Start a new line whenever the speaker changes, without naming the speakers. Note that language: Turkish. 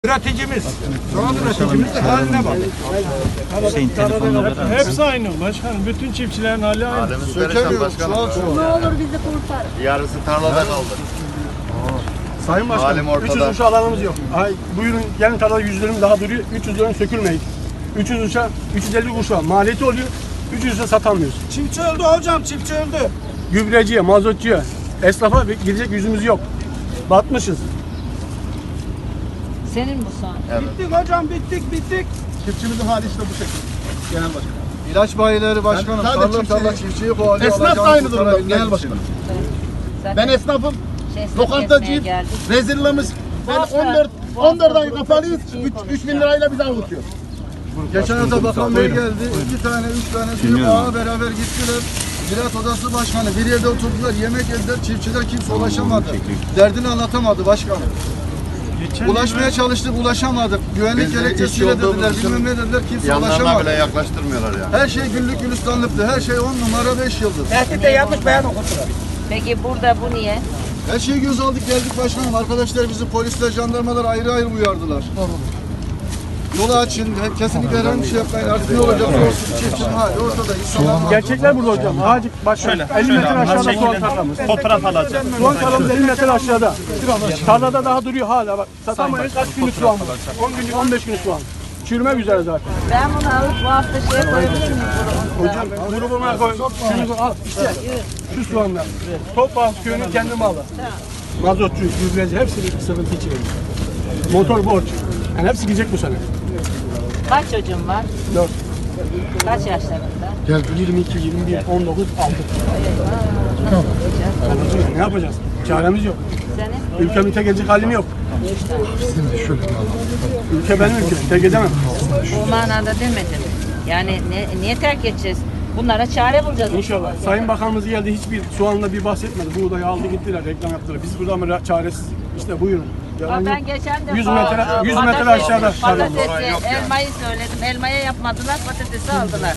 üreticimiz. Soğan üreticimiz de haline bak.
Hüseyin telefonla beraber.
Hepsi aynı başkanım. Bütün çiftçilerin hali aynı.
Halimiz perişan başkanım.
Ne olur bizi kurtar.
Yarısı tarlada kaldı.
Sayın
Halim
Başkanım,
ortada.
300 uçağı alanımız yok. Ay, buyurun gelin tarlada 100 dönüm daha duruyor. 300 dönüm sökülmeyin. 300 uçağı, 350 uçağı maliyeti oluyor. 300 uçağı satamıyoruz.
Çiftçi öldü hocam, çiftçi öldü.
Gübreciye, mazotçuya, esnafa gidecek yüzümüz yok. Batmışız.
Senin bu soğan.
Bittik hocam, bittik.
Çiftçimizin hali işte bu şekilde. Genel başkanım.
İlaç bayileri başkanım.
Ben sadece
Tarla çiftçiyi kovalıyor.
Esnaf da aynı durumda genel başkanım.
Zaten
Ben esnafım,
esnaf
lokantacıyım,
kesmeye geldik.
rezilliğimiz. Ben 14 ay kapalıyız, 3.000 lirayla bizi avutuyor.
Geçen hafta bakan bey geldi. 2 tane, 3 tane büyük ağa beraber gittiler. Ziraat Odası Başkanı bir yerde oturdular, yemek yediler. Çiftçiler kimse ulaşamadı. Derdini anlatamadı başkanım. Ulaşmaya çalıştık, ulaşamadık. Güvenlik gerekçesiyle dediler, bilmem ne dediler, kimse ulaşamadı. Bile yaklaştırmıyorlar yani. Her şey güllük gülistanlıktı, her şey 10 numara 5 yıldız.
Tehditte yanlış beyan okutular.
Peki burada bu niye?
Her şeyi göz aldık geldik başkanım. Arkadaşlar bizi polisler, jandarmalar ayrı ayrı uyardılar. Yolu açın, kesinlikle herhangi bir şey yapmayın. Artık ne olacak olsun, çiftçinin hali ortada. İnsanlar
Gerçekler burada hocam. Ağacı bak şöyle. 50 metre aşağıda soğan tarlamız.
Fotoğraf alacağım.
Soğan tarlamız 50 metre aşağıda. Tarlada daha duruyor hala bak. Satamayız kaç günlük soğan var. 10 günlük 15 günlük soğan. Çürümek üzere zaten.
Ben bunu alıp bu hafta şeye koyabilir miyim?
Hocam grubuma koy. Şunu al işte. Şu soğanlar. Topal köyünün kendi malı. Mazotçu, gübreci hepsi bir sıkıntı içinde. Motor borç. Yani hepsi gidecek bu sene.
Kaç çocuğun var?
4.
Kaç yaşlarında?
Gel 22, 21, 19, 6. Ne yapacağız? Çaremiz yok.
Senin?
Ülkemin tek edecek halim yok. Ülke benim ülkem. Tek edemem.
Bu manada demedim. Yani niye terk edeceğiz? Bunlara çare bulacağız.
İnşallah. Sayın Bakanımız geldi hiçbir soğanla bir bahsetmedi. Buğdayı aldı gittiler, reklam yaptılar. Biz burada ama çaresiz. İşte buyurun.
Ama ben geçen de
100 metre aşağıda.
patatesi, elmayı söyledim. Elmaya yapmadılar, patatesi aldılar.